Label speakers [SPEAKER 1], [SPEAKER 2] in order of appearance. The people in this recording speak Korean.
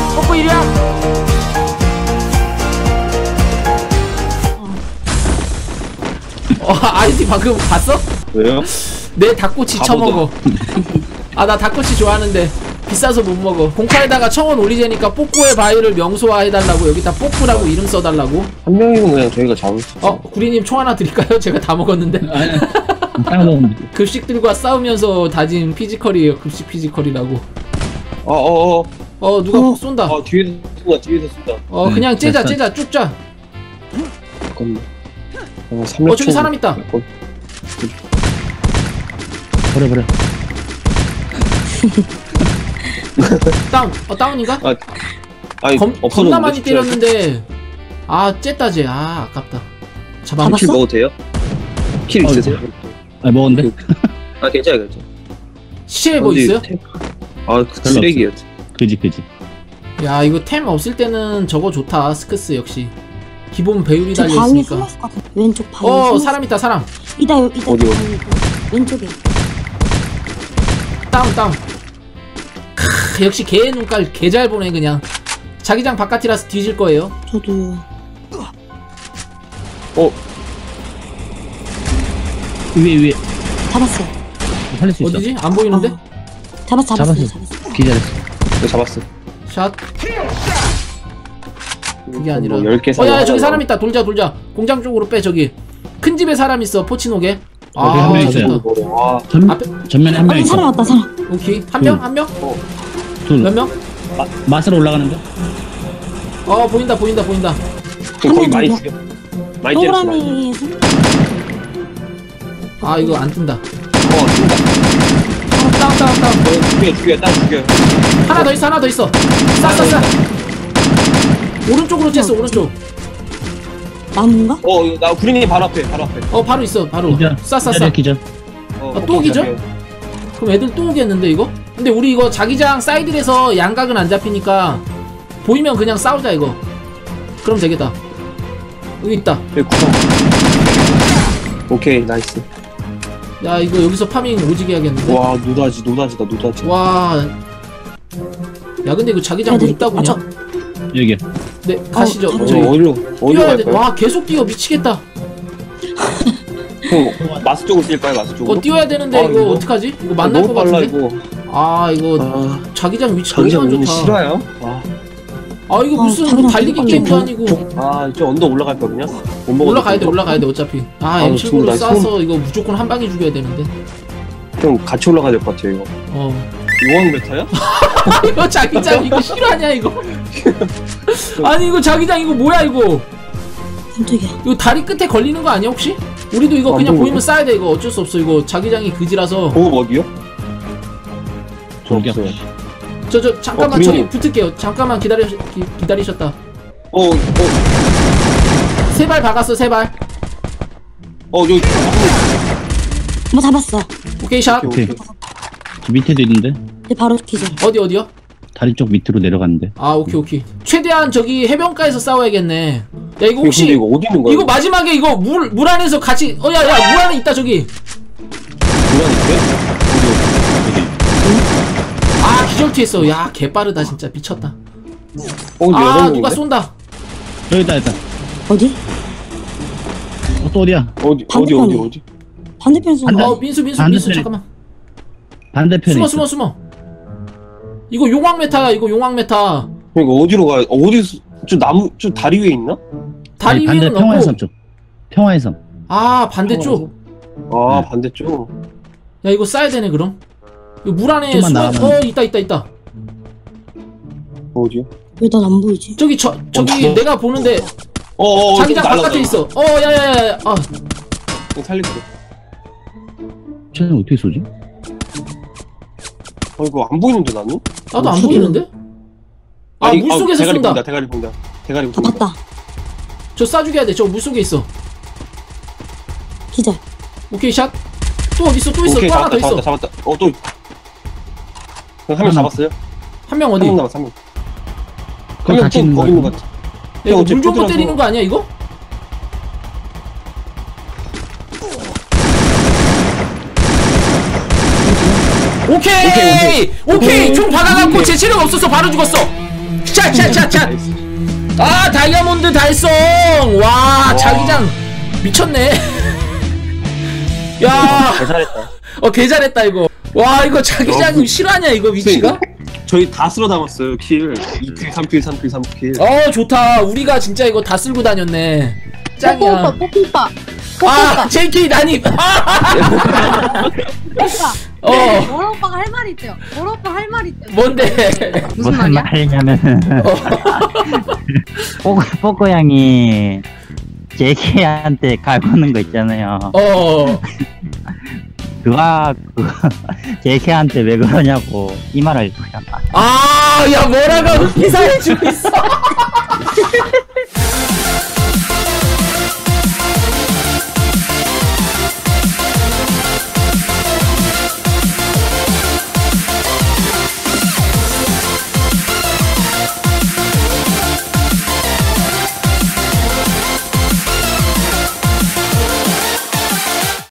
[SPEAKER 1] 뽀뽀 이리야. 아이티 방금 봤어?
[SPEAKER 2] 왜요?
[SPEAKER 1] 내 닭꼬치 처먹어. 아, 나 닭꼬치 좋아하는데 비싸서 못 먹어. 공카에다가 1000원 올리자니까 뽀뽀의 바위를 명소화 해달라고. 여기다 뽀뽀라고 이름 써달라고.
[SPEAKER 2] 한 명이면 그냥 저희가 잡을 수 있어요.
[SPEAKER 1] 구리님 총 하나 드릴까요? 제가 다 먹었는데.
[SPEAKER 3] 딱 먹으면 돼.
[SPEAKER 1] 급식들과 싸우면서 다진 피지컬이에요. 급식 피지컬이라고. 누가 쏜다.
[SPEAKER 2] 뒤에서 쏜다, 뒤에서 쏜다.
[SPEAKER 1] 그냥 째자,
[SPEAKER 3] 됐어.
[SPEAKER 1] 째자, 쭉 짜.
[SPEAKER 2] 잠깐만.
[SPEAKER 1] 저기 사람 있다.
[SPEAKER 3] 버려.
[SPEAKER 1] 다운인가?
[SPEAKER 2] 아니,
[SPEAKER 1] 겁나 많이 때렸는데. 쨌다 쟤. 아깝다. 잡았어?
[SPEAKER 2] 킬 먹어도 돼요? 킬 있으세요?
[SPEAKER 3] 먹었는데?
[SPEAKER 2] 괜찮아요.
[SPEAKER 1] 시체에 뭐 있어요?
[SPEAKER 2] 쓰레기예요.
[SPEAKER 3] 그지.
[SPEAKER 1] 야, 이거 템 없을 때는 저거 좋다. 스크스 역시. 기본 배율이
[SPEAKER 4] 저 방에
[SPEAKER 1] 달려있으니까.
[SPEAKER 4] 숨었을 것 같아. 왼쪽 방에.
[SPEAKER 1] 사람 있다, 사람.
[SPEAKER 4] 이다.
[SPEAKER 2] 어디?
[SPEAKER 4] 왼쪽에.
[SPEAKER 1] 다운. 역시 개의 눈깔 개 잘 보네 그냥. 자기장 바깥이라서 뒤질 거예요.
[SPEAKER 4] 저도요.
[SPEAKER 3] 위에
[SPEAKER 4] 잡았어.
[SPEAKER 3] 살릴 수 있어.
[SPEAKER 1] 어디지? 안 보이는데?
[SPEAKER 4] 잡았어.
[SPEAKER 3] 기다렸어.
[SPEAKER 2] 이거 잡았어.
[SPEAKER 1] 샷. 그게 아니라.
[SPEAKER 2] 10개
[SPEAKER 1] 야, 저기 사람 있다. 돌자. 공장 쪽으로 빼. 저기 큰 집에 사람 있어. 포치노게.
[SPEAKER 3] 한 명 있어요.
[SPEAKER 1] 앞에
[SPEAKER 3] 전면에 한 명 있어.
[SPEAKER 4] 사람 왔다, 사람.
[SPEAKER 1] 오케이. 한 명?
[SPEAKER 3] 둘.
[SPEAKER 1] 몇 명?
[SPEAKER 3] 맛으로 올라가는데?
[SPEAKER 1] 보인다.
[SPEAKER 2] 거기 많이 죽여. 많이 때렸어.
[SPEAKER 4] 동그라미.
[SPEAKER 1] 이거 안 뜬다.
[SPEAKER 2] 쏜다.
[SPEAKER 1] 다운.
[SPEAKER 2] 죽여.
[SPEAKER 1] 하나 더 있어. 싸. 오른쪽으로 쬐어. 오른쪽.
[SPEAKER 4] 나무인가?
[SPEAKER 2] 나 구린이 바로 앞에.
[SPEAKER 1] 바로 있어. 바로.
[SPEAKER 3] 기절.
[SPEAKER 1] 싸.
[SPEAKER 3] 기절.
[SPEAKER 1] 또 기절? 그럼 애들 또 오겠는데 이거? 근데 우리 이거 자기장 사이드에서 양각은 안 잡히니까 보이면 그냥 싸우자 이거. 그럼 되겠다. 여기 있다.
[SPEAKER 2] 오케이, 나이스.
[SPEAKER 1] 야, 이거 여기서 파밍 오지게 해야겠는데.
[SPEAKER 2] 와, 노다지다.
[SPEAKER 1] 와. 야, 근데 이거 자기장 뭐 있다고 그냥.
[SPEAKER 3] 여기야.
[SPEAKER 1] 네, 가시죠.
[SPEAKER 2] 어디로
[SPEAKER 1] 뛰어야 돼.
[SPEAKER 2] 갈까요?
[SPEAKER 1] 와, 계속 뛰어. 미치겠다.
[SPEAKER 2] 마스 쪽으로 쓸까요? 마스 쪽으로?
[SPEAKER 1] 뛰어야 되는데 이거 어떡하지? 이거 만날 것
[SPEAKER 2] 빨라,
[SPEAKER 1] 같은데? 이거 자기장 위치 너무 안 좋다.
[SPEAKER 2] 싫어요?
[SPEAKER 1] 이거 무슨 달리기 게임도 아니고.
[SPEAKER 2] 저 언덕 올라갈 거거든요? 못 먹었는데.
[SPEAKER 1] 올라가야 돼 어차피.
[SPEAKER 2] 너무
[SPEAKER 1] M7로
[SPEAKER 2] 나
[SPEAKER 1] 쏴서 이거 무조건 한 방에 죽여야 되는데.
[SPEAKER 2] 형 같이 올라가야 될 것 같아요, 이거. 요왕 메타야?
[SPEAKER 1] 이거 자기장 이거 실화냐 이거? 아니 이거 자기장 이거 뭐야 이거?
[SPEAKER 4] 깜짝이야.
[SPEAKER 1] 이거 다리 끝에 걸리는 거 아니야 혹시? 우리도 이거 그냥 보이면 쏴야 돼. 이거 어쩔 수 없어. 이거 자기장이 그지라서.
[SPEAKER 2] 어디요? 저
[SPEAKER 3] 저기요.
[SPEAKER 2] 없어요.
[SPEAKER 1] 저 잠깐만 저기 붙을게요. 잠깐만 기다리셨다. 세 발 박았어. 3발.
[SPEAKER 2] 여기.
[SPEAKER 4] 잡았어.
[SPEAKER 1] 오케이 샷.
[SPEAKER 3] 오케이. 저 밑에도 있는데?
[SPEAKER 4] 바로 기절.
[SPEAKER 1] 어디요?
[SPEAKER 3] 다리 쪽 밑으로 내려갔는데.
[SPEAKER 1] 오케이. 최대한 저기 해변가에서 싸워야겠네. 야 이거 혹시
[SPEAKER 2] 이거 어디 있는 거야?
[SPEAKER 1] 이거 마지막에 이거 물 안에서 같이 야 물 안에 있다 저기.
[SPEAKER 2] 물 안에
[SPEAKER 1] 기절투했어. 야 개빠르다 진짜 미쳤다. 누가 쏜다.
[SPEAKER 3] 여기다 있다.
[SPEAKER 4] 어디?
[SPEAKER 3] 또 어디야?
[SPEAKER 2] 어디?
[SPEAKER 4] 반대편에 쏜다.
[SPEAKER 1] 민수
[SPEAKER 3] 반대편에.
[SPEAKER 1] 잠깐만.
[SPEAKER 3] 반대편에.
[SPEAKER 1] 숨어. 이거 용왕 메타야. 이거 용왕 메타.
[SPEAKER 2] 이거 어디로 가요? 저 나무 저 다리 위에 있나?
[SPEAKER 1] 다리
[SPEAKER 3] 반대
[SPEAKER 1] 위에는
[SPEAKER 3] 평화해섬
[SPEAKER 1] 없고.
[SPEAKER 3] 쪽. 평화해섬.
[SPEAKER 1] 반대쪽.
[SPEAKER 2] 반대쪽.
[SPEAKER 1] 야 이거 싸야 되네 그럼. 이거 물 안에
[SPEAKER 3] 좀만 나가면.
[SPEAKER 1] 있다.
[SPEAKER 2] 어디요?
[SPEAKER 4] 왜 난 안 보이지?
[SPEAKER 1] 저기 내가 보는데 자기장 바깥에 있어. 야야야.
[SPEAKER 2] 살릴게.
[SPEAKER 3] 쟤는 어떻게 쏘지?
[SPEAKER 2] 이거 안 보이는데 나는?
[SPEAKER 1] 나도 안 보이는데? 물속에서 쏜다.
[SPEAKER 2] 대가리 본다.
[SPEAKER 4] 봤다.
[SPEAKER 1] 저 쏴 죽여야 돼. 저 물속에 있어.
[SPEAKER 4] 기절.
[SPEAKER 1] 오케이 샷. 또 어딨어? 또 있어.
[SPEAKER 2] 오케이,
[SPEAKER 1] 또 하나 더 있어.
[SPEAKER 2] 잡았다. 또. 한 명 잡았어요?
[SPEAKER 1] 한 명 어디?
[SPEAKER 2] 한 명 남았어, 한 명.
[SPEAKER 3] 그거 같이 있는 거
[SPEAKER 2] 거기 있는 것 같아.
[SPEAKER 1] 이거 물
[SPEAKER 2] 어차피
[SPEAKER 1] 정도
[SPEAKER 2] 푸드라서.
[SPEAKER 1] 때리는 거 아니야 이거? 오케이 총 박아갖고 제 체력 없어서 바로 죽었어. 샷샷샷샷. 아 다이아몬드 달성. 와 자기장 미쳤네. 야
[SPEAKER 2] 잘했다.
[SPEAKER 1] 개 잘했다 이거. 와 이거 자기장 실화냐 이거 위치가?
[SPEAKER 2] 저희 다 쓸어 담았어요. 킬 2킬 3킬 3킬 3킬.
[SPEAKER 1] 좋다. 우리가 진짜 이거 다 쓸고 다녔네. 짱이야.
[SPEAKER 5] 뽀뽀오빠
[SPEAKER 1] JK 난입.
[SPEAKER 5] 모로 오빠가 할 말이 있대요. 모로 오빠 할 말이 있대요.
[SPEAKER 1] 뭔데?
[SPEAKER 5] 무슨 말이야?
[SPEAKER 6] 말이냐면은 뽀꼬 양이 JK한테 갈구는 거 있잖아요. 그거 JK한테 왜 그러냐고 이 말을 거잖아.
[SPEAKER 1] 야 뭐라고 기사해주고 있어.